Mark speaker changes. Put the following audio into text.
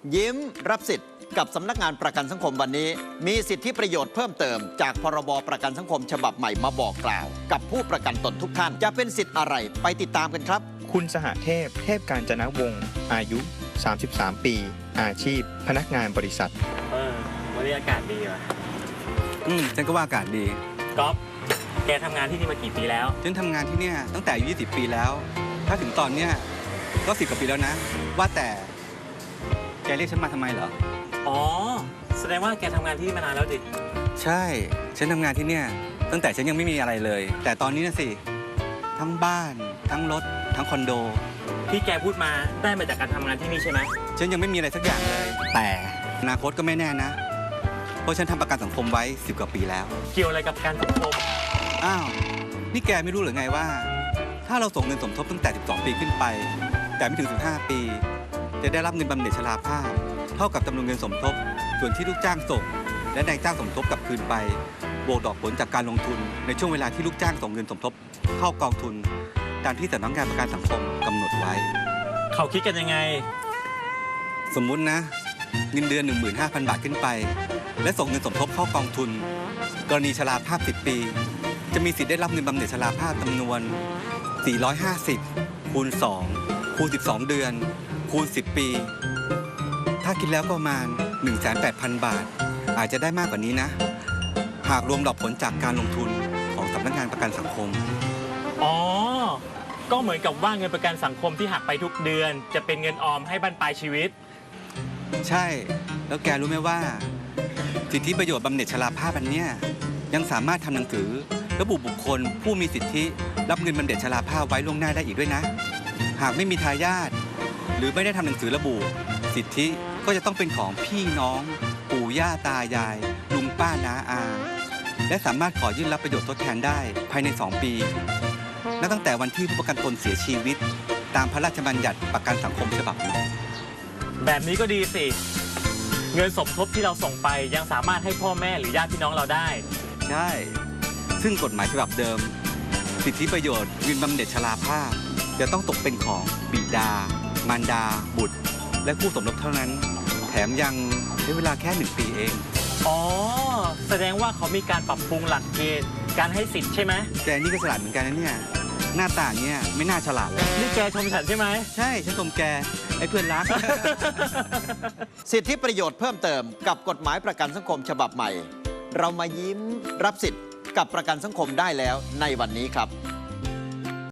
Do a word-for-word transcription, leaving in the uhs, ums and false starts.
Speaker 1: ยิ้มรับสิทธิ์กับสำนักงานประกันสังคมวันนี้มีสิทธิประโยชน์เพิ่มเติมจากพรบประกันสังคมฉบับใหม่มาบอกกล่าว กับผู้ประกันตนทุกท่านจะเป็นสิทธิ์อะไรไปติดตามกันครับ
Speaker 2: คุณสหเทพเทพกาญจนวงศ์อายุสามสิบสามปีอาชีพพนักงานบริษัท
Speaker 3: เออวันนี้อากาศดีว่ะ
Speaker 4: อืมฉันก็ว่าอากาศดี
Speaker 3: ก๊อฟแกทำงานที่นี่มากี่ปีแล้ว
Speaker 4: ฉันทำงานที่เนี่ยตั้งแต่อายุยี่สิบปีแล้วถ้าถึงตอนเนี้ยก็สิบกว่าปีแล้วนะว่าแต่แกเรียกฉันมาทำไมเหรอ
Speaker 3: อ๋อแสดงว่าแกทำงานที่นี่มานานแล้วดิ
Speaker 4: ใช่ฉันทำงานที่เนี่ยตั้งแต่ฉันยังไม่มีอะไรเลยแต่ตอนนี้นะสิทั้งบ้านทั้งรถทั้งคอนโด
Speaker 3: ที่แกพูดมาได้มาจากการทำงานที่นี่ใช่ไหม
Speaker 4: ฉันยังไม่มีอะไรสักอย่างเลยแต่อนาคตก็ไม่แน่นะเพราะฉันทำประกันสังคมไว้สิบกว่าปีแล้ว
Speaker 3: เกี่ยวอะไรกับการสังคม
Speaker 4: อ้าวนี่แกไม่รู้หรือไงว่าถ้าเราส่งเงินสมทบตั้งแต่สิบสองปีขึ้นไปแต่ไม่ถึงสิบห้าปีจะได้รับเงินบำเหน็จชราภาพเท่ากับจำนวนเงินสมทบส่วนที่ลูกจ้างส่งและนายจ้างสมทบกลับคืนไปบวกดอกผลจากการลงทุนในช่วงเวลาที่ลูกจ้างส่งเงินสมทบเข้ากองทุนตามที่สำนักงานประกันสังคมกำหนดไว้
Speaker 3: เขาคิดกันยังไง
Speaker 4: สมมุตินะเงินเดือน หนึ่งหมื่นห้าพัน บาทขึ้นไปและส่งเงินสมทบเข้ากองทุนกรณีชราภาพสิบปีจะมีสิทธิ์ได้รับเงินบำเหน็จชราภาพจำนวนสี่ร้อยห้าสิบคูณสองคูณสิบสองเดือนคูณสิบปีถ้าคิดแล้วประมาณ หนึ่งแสนแปดพัน บาทอาจจะได้มากกว่านี้นะหากรวมดอกผลจากการลงทุนของสำนักงานประกันสังคม
Speaker 3: อ๋อก็เหมือนกับว่าเงินประกันสังคมที่หักไปทุกเดือนจะเป็นเงินออมให้บรรปลายชีวิต
Speaker 4: ใช่แล้วแกรู้ไหมว่าสิทธิประโยชน์บำเหน็จชราภาพอันเนี้ยยังสามารถทำหนังสือระบุบุคคลผู้มีสิทธิรับเงินบำเหน็จชราภาพไว้ล่วงหน้าได้อีกด้วยนะหากไม่มีทายาทหรือไม่ได้ทำหนังสือระบุสิทธิก็จะต้องเป็นของพี่น้องปู่ย่าตายายลุงป้าน้าอาและสามารถขอยื่นรับประโยชน์ทดแทนได้ภายในสองปีนับตั้งแต่วันที่ผู้ประกันตนเสียชีวิตตามพระราชบัญญัติประกันสังคมฉบับใหม่
Speaker 3: แบบนี้ก็ดีสิเงินสมทบที่เราส่งไปยังสามารถให้พ่อแม่หรือญาติพี่น้องเราได้
Speaker 4: ใช่ซึ่งกฎหมายฉบับเดิมสิทธิประโยชน์เงินบำเหน็จชราภาพจะต้องตกเป็นของบิดามารดาบุตรและคู่สมรสเท่านั้นแถมยังใช้เวลาแค่หนึ่งปีเอง
Speaker 3: อ๋อแสดงว่าเขามีการปรับปรุงหลักเกณฑ์การให้สิทธิ์ใช่ไหม
Speaker 4: แกนี่ก็ฉลาดเหมือนกันนะเนี่ยหน้าตาเนี่ยไม่น่าฉลาดเลย
Speaker 3: นี่แกชมฉันใช่ไหม
Speaker 4: ใช่ฉันชมแกไอ้เพื่อนรัก
Speaker 1: สิทธิประโยชน์เพิ่มเติมกับกฎหมายประกันสังคมฉบับใหม่เรามายิ้มรับสิทธิ์กับประกันสังคมได้แล้วในวันนี้ครับ